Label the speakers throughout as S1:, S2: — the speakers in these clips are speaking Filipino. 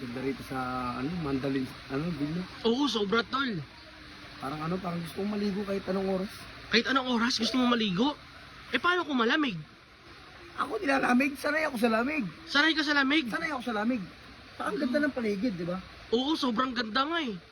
S1: Ganda rito sa, Mandalin, Villa.
S2: Oo, sobra tol.
S1: Parang gusto kong maligo kahit anong oras.
S2: Kahit anong oras gusto mo maligo? Eh paano kung malamig?
S1: Ako nilalamig, sanay ako sa lamig.
S2: Sanay ka sa lamig?
S1: Sanay ako sa lamig. Ang ganda ng paligid, di ba?
S2: Oo, sobrang ganda nga eh.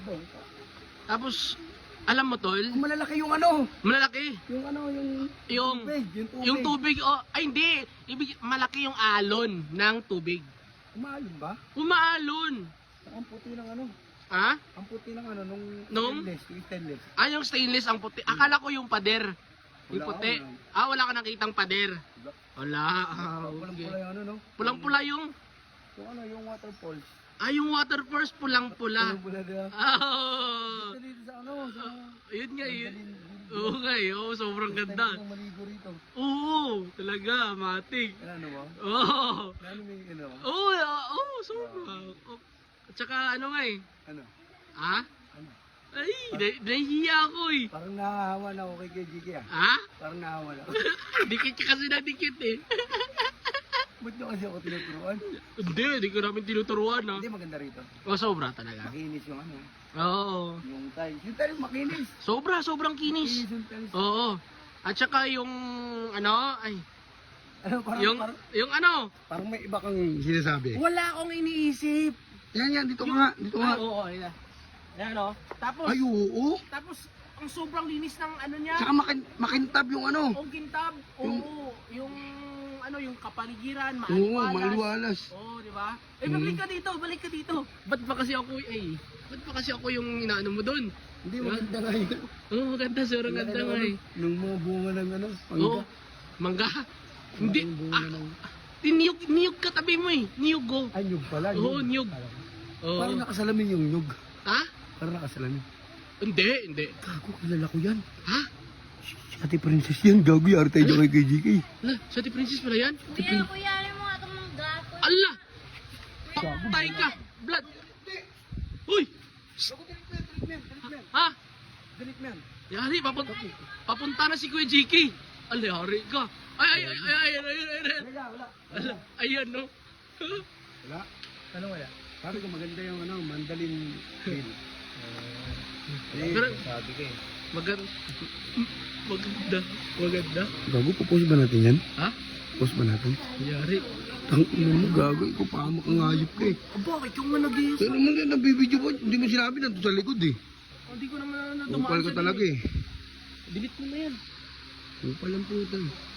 S2: Tapos, alam mo tol,
S1: Kung malalaki yung
S2: malalaki.
S1: yung
S2: Yung,
S1: tubig.
S2: yung tubig, oh, ay hindi. Malaki yung alon ng tubig.
S1: Umaalon ba?
S2: Umaalon.
S1: Ang puti ng
S2: Ha?
S1: ang puti ng
S2: Nung?
S1: stainless.
S2: Ah, yung stainless ang puti. Akala ko yung pader. Yung
S1: Wala
S2: puti.
S1: ako,
S2: Ah, wala ka nakitang pader.
S1: Wala.
S2: Wala. Ah,
S1: Pulang-pula
S2: okay.
S1: yung
S2: Pulang-pula yung...
S1: yung waterfalls.
S2: Ah, yung waterfalls pulang-pula.
S1: Pulang-pula na.
S2: Ah,
S1: Dito sa sa
S2: yun nga yun.
S1: Mandalin.
S2: Oo nga eh. Oo, sobrang ganda.
S1: Ng maligo rito.
S2: Oo, talaga, matik.
S1: Ano ba?
S2: Oo.
S1: Ano may
S2: Oo, oo, sobra. Oh. At saka ano nga eh.
S1: Ano?
S2: Ha?
S1: Ano?
S2: Ay, nahihiya ako eh.
S1: Parang nahahawa na ako kay KGK ah.
S2: Ha?
S1: Parang nahahawa na ako.
S2: Dikit ka kasi na dikit eh.
S1: Ba't nyo kasi ako tinuturuan?
S2: Hindi ko namin tinuturuan ha.
S1: Hindi maganda rito.
S2: Oh, sobra talaga.
S1: Makinis yung
S2: Oo.
S1: yung tiles. Yung tiles makinis.
S2: Sobrang kinis.
S1: Makinis yung tiles.
S2: Oo. At saka yung ano, ay,
S1: Ano, parang,
S2: yung ano,
S1: parang may iba kang sinasabi.
S2: wala akong iniisip.
S1: Yan, dito nga, dito nga.
S2: Oo, ayan. Ayan o. Tapos,
S1: Ay, oo.
S2: tapos, ang sobrang linis ng ano niya.
S1: Tsaka makintab yung
S2: Yung kintab. Oo. Yung kapaligiran,
S1: Oo,
S2: maaliwalas.
S1: maliwalas.
S2: Oo, di ba? Eh, balik ka dito. Ba't ba kasi ako yung inaano mo doon?
S1: Hindi, maganda nga yun.
S2: Oo, maganda, sobrang ganda nga eh.
S1: Nung mga bunga ng pangga.
S2: Oo. Mangga. Hindi.
S1: Malaking bunga ng...
S2: Niyog katabi mo eh. Niyog go.
S1: Ay, nyug pala.
S2: Oo, niyog. Oo.
S1: Parang nakasalamin yung nyug.
S2: Ha?
S1: Parang nakasalamin.
S2: Hindi.
S1: Gago, kilala ko yan.
S2: Ha?
S1: Si Ate Princess yan. Gago, yari tayo dyan kay KGK.
S2: Ala, sa Ate Princess pala yan?
S3: Kuya, mo nga itong mga gato.
S2: Ala! Patay ka! Blood! Uy! Ha?
S1: Galit mo yan.
S2: Yari, papunta na si Kuya JK. Ala, yari ka. Ay.
S1: Wala.
S2: Ala, ayan no.
S1: Wala. Ano wala? Sabi ko maganda yung Mandalin Hill.
S2: Pero,
S1: sabi ko eh.
S2: Maganda.
S1: Gago, pupost ba natin yan?
S2: Ha?
S1: Post ba natin?
S2: Yari.
S1: Ang ina mo, gago. Ikaw pahamak ang hayop ka eh.
S2: Bakit yung nag-iis?
S1: Pero naman yan, nabibidyo mo. Hindi mo sinabi na sa likod eh.
S2: Hindi ko naman
S1: Upal ka talaga eh.
S2: Delete mo na yan.
S1: Upal ang puta eh.